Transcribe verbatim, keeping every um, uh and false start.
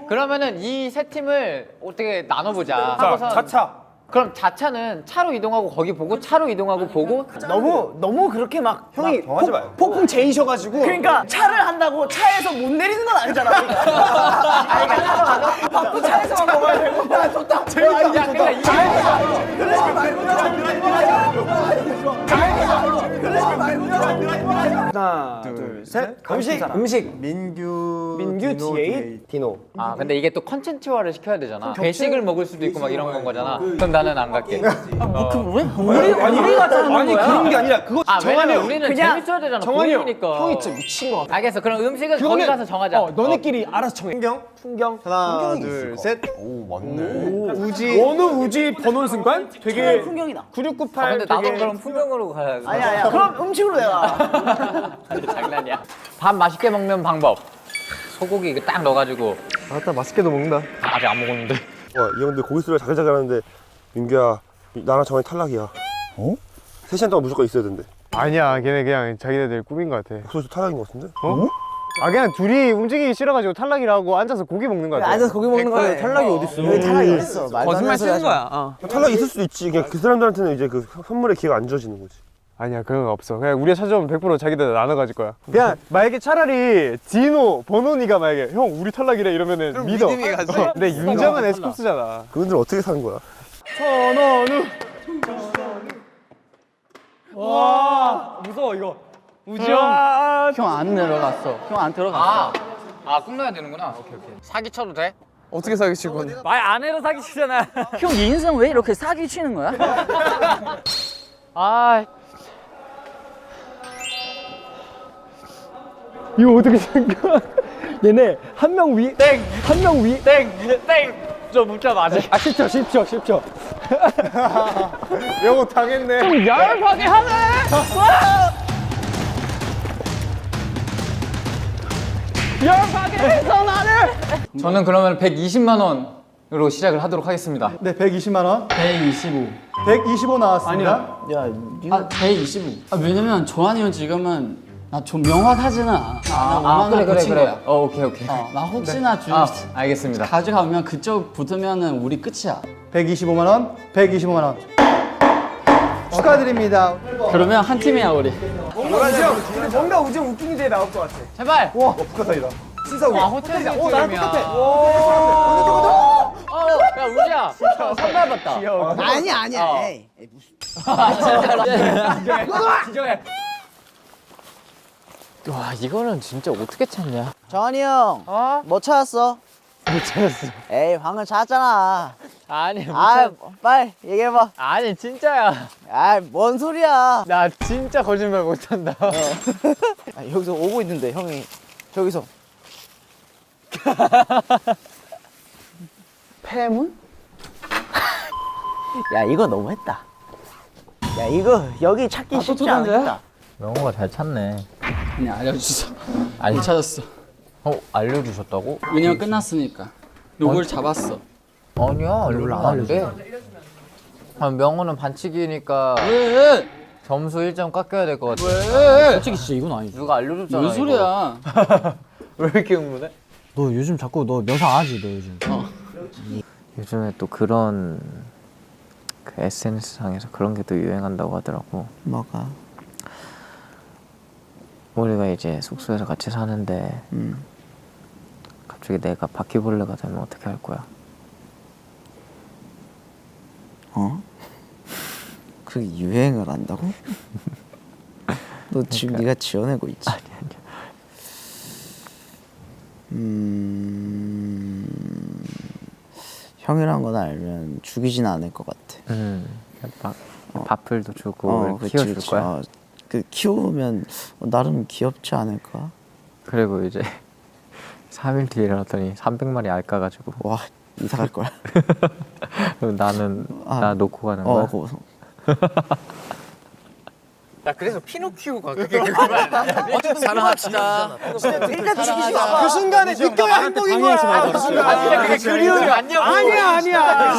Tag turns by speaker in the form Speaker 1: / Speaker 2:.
Speaker 1: 그러면은 이 세 팀을 어떻게 나눠보자.
Speaker 2: 자,
Speaker 1: 하고선
Speaker 2: 자차.
Speaker 1: 그럼 자차는 차로 이동하고 거기 보고 차로 이동하고 보고.
Speaker 3: 너무 너무 그렇게 막 형이
Speaker 2: 막 정하지 마요.
Speaker 3: 폭풍 제이셔가지고 그러니까 차를 한다고 차에서 못 내리는 건 아니잖아. 아니 그러니까 차로 가서 밥도 차에서만 먹어야 되고. 야 좋다. 재밌다.
Speaker 1: 야, 근데 이게
Speaker 3: 그러지 말고 그러지 말고 하나 둘셋 음식 음식
Speaker 4: 민규,
Speaker 3: 민규
Speaker 4: 디노,
Speaker 3: 디에잇
Speaker 4: 디노.
Speaker 1: 아 근데 이게 또 컨텐츠화를 시켜야 되잖아. 배식을 먹을 수도 있고 막 이런 건 거잖아. 그럼 나는 안 갈게.
Speaker 3: 우리 우리가 짜는
Speaker 2: 아니
Speaker 3: 거야.
Speaker 2: 그런 게 아니라 그거
Speaker 1: 아
Speaker 2: 정한이
Speaker 1: 왜냐면
Speaker 2: 형.
Speaker 1: 우리는
Speaker 3: 그냥
Speaker 1: 재밌어야 되잖아.
Speaker 2: 정한이 형.
Speaker 1: 보이니까.
Speaker 3: 형이 진짜 미친 거 같아.
Speaker 1: 알겠어. 그럼 음식은 거기 가서 정하자.
Speaker 3: 어, 너네끼리 알아서 정해.
Speaker 4: 풍경?
Speaker 3: 풍경.
Speaker 4: 하나, 둘, 셋. 오, 맞네.
Speaker 2: 우지. 어느 우지 번원 순간 되게
Speaker 3: 풍경이다.
Speaker 2: 구육구팔.
Speaker 1: 아, 근데 나도
Speaker 2: 되게
Speaker 1: 그럼 풍경으로 가야 돼.
Speaker 3: 아니야 아니야. 그럼 음식으로 내가.
Speaker 1: 장난이야. 밥 맛있게 먹는 방법. 소고기 이거 딱 넣어가지고.
Speaker 4: 아따 맛있게도 먹는다.
Speaker 1: 아직 안 먹었는데.
Speaker 5: 와, 이 형들 고기 소리가 자글자글하는데 민규야, 나랑 정한이 탈락이야. 어? 세 시간 동안 무조건 있어야 된대.
Speaker 6: 아니야, 걔네 그냥 자기네들 꾸민 것 같아.
Speaker 5: 소리도 탈락인 것 같은데?
Speaker 6: 어? 아 그냥 둘이 움직이기 싫어가지고 탈락이라고 앉아서 고기 먹는 것 같아.
Speaker 3: 앉아서 고기 먹는 거야.
Speaker 4: 탈락이 어딨어?
Speaker 3: 여기 탈락이 어딨어?
Speaker 4: 거짓말 치는 거야.
Speaker 5: 탈락이 있을 수도 있지. 그냥 그 사람들한테는 이제 그 선물의 기회가 안 주어지는 거지.
Speaker 6: 아니야, 그런 거 없어. 그냥 우리가 찾아오면 백 퍼센트 자기들 나눠 가질 거야. 그냥 만약에 차라리 디노, 버논이가 만약에 형 우리 탈락이래 이러면은 믿어.
Speaker 4: 믿음이 가지.
Speaker 6: 어, 근데 윤정은 에스쿱스잖아.
Speaker 5: 그분들은 어떻게 사는 거야?
Speaker 6: 천원우.
Speaker 3: 무서워 이거.
Speaker 6: 우지 형.
Speaker 3: 형 안 내려갔어. 형 안 들어갔어.
Speaker 1: 아, 아, 꾹 넣어야 되는구나. 오케이, 오케이. 사기 쳐도 돼?
Speaker 4: 어떻게 사기치고?
Speaker 3: 말 안 해도 사기 치잖아. 형 인생 왜 이렇게 사기 치는 거야?
Speaker 1: 아,
Speaker 6: 이거 어떻게 생겨? 얘네 한 명 위, 땡! 한 명 위, 땡! 땡! 저 문자 맞아. 아, 십 초, 십 초, 십 초. 영호 당했네. 좀 열받게 하네! 열받게 해서 나를!
Speaker 1: 저는 그러면 백이십만 원으로 시작을 하도록 하겠습니다.
Speaker 4: 네, 백이십만 원.
Speaker 7: 백이십오.
Speaker 4: 백이십오 나왔습니다.
Speaker 7: 아, 백이십오. 아, 왜냐면 조한이 형 지금은 나 좀 명확하지는 않아. 나
Speaker 1: 아,
Speaker 7: 오만 원
Speaker 1: 그래, 그래,
Speaker 7: 고친
Speaker 1: 그래.
Speaker 7: 거야.
Speaker 1: 어, 오케이, 오케이.
Speaker 7: 어, 나 혹시나 주
Speaker 1: 아, 알겠습니다.
Speaker 7: 가져가면 그쪽 붙으면은 우리 끝이야.
Speaker 4: 백이십오만 원. 백이십오만 원. 축하드립니다.
Speaker 7: 그러면 한 팀이야 우리.
Speaker 3: 뭔가 우지 웃긴 게 나올 것 같아.
Speaker 1: 제발!
Speaker 4: 와, 북한산이다.
Speaker 3: 진짜
Speaker 1: 와, 호텔
Speaker 3: 어, 나랑 똑같아.
Speaker 1: 어, 야, 우지야. 선발 받다.
Speaker 3: 아니야 아니야.
Speaker 1: 어.
Speaker 3: 에이. 에이, 무슨.
Speaker 1: 진정해. 와, 이거는 진짜 어떻게 찾냐?
Speaker 3: 정한이 형.
Speaker 1: 어?
Speaker 3: 뭐 찾았어?
Speaker 1: 못 찾았어.
Speaker 3: 에이 방금 찾았잖아.
Speaker 1: 아니, 못
Speaker 3: 아
Speaker 1: 찾...
Speaker 3: 빨리 얘기해봐.
Speaker 1: 아니, 진짜야.
Speaker 3: 아뭔 소리야.
Speaker 1: 나 진짜 거짓말 못한다.
Speaker 3: 아, 여기서 오고 있는데 형이 저기서. 폐문? 야 이거 너무했다. 야 이거 여기 찾기 쉽지 않겠다.
Speaker 1: 명호가 잘 찾네.
Speaker 7: 아니 알려주셔.
Speaker 1: 아니,
Speaker 7: 못 찾았어.
Speaker 1: 어, 알려주셨다고?
Speaker 7: 왜냐면 끝났으니까. 누굴 잡았어.
Speaker 1: 아니야, 알려주면 안 돼. 아, 명호는 반칙이니까
Speaker 7: 왜?
Speaker 1: 점수 일 점 깎여야 될 것 같아.
Speaker 7: 왜? 솔직히 진짜 이건 아니지.
Speaker 1: 누가 알려줬잖아.
Speaker 7: 뭔 소리야?
Speaker 1: 이거. 왜 이렇게 흥분해?
Speaker 4: 너 요즘 자꾸 너 명상 안 하지, 너 요즘.
Speaker 8: 요즘에 또 그런 그 에스엔에스상에서 그런 게 또 유행한다고 하더라고.
Speaker 3: 뭐가?
Speaker 8: 우리가 이제 숙소에서 같이 사는데
Speaker 3: 음.
Speaker 8: 갑자기 내가 바퀴벌레가 되면 어떻게 할 거야?
Speaker 3: 어? 그게 유행을 한다고? 너 지금 네가 지어내고 있지?
Speaker 8: 아니 아니야.
Speaker 3: 음... 형이란 건 알면 죽이진 않을 것 같아.
Speaker 8: 음, 막 밥풀도 주고
Speaker 3: 어,
Speaker 8: 이렇게
Speaker 3: 그치,
Speaker 8: 키워줄
Speaker 3: 그치.
Speaker 8: 거야.
Speaker 3: 어, 그 키우면 나름 귀엽지 않을까?
Speaker 8: 그리고 이제 삼 일 뒤에 일어났더니 삼백 마리 알 까가지고
Speaker 3: 와 이사 갈 거야.
Speaker 8: 그럼 나는
Speaker 3: 아.
Speaker 8: 나 놓고 가는
Speaker 3: 어,
Speaker 8: 거야?
Speaker 3: 그거.
Speaker 1: 나 그래서 피노키오가 그게 어쨌든 사랑합시다.
Speaker 2: 그 순간에 느껴야 행복인 거야. 그 순간.
Speaker 1: 아니, 그게 그리움이 아니야.
Speaker 2: 아니야, 아니야.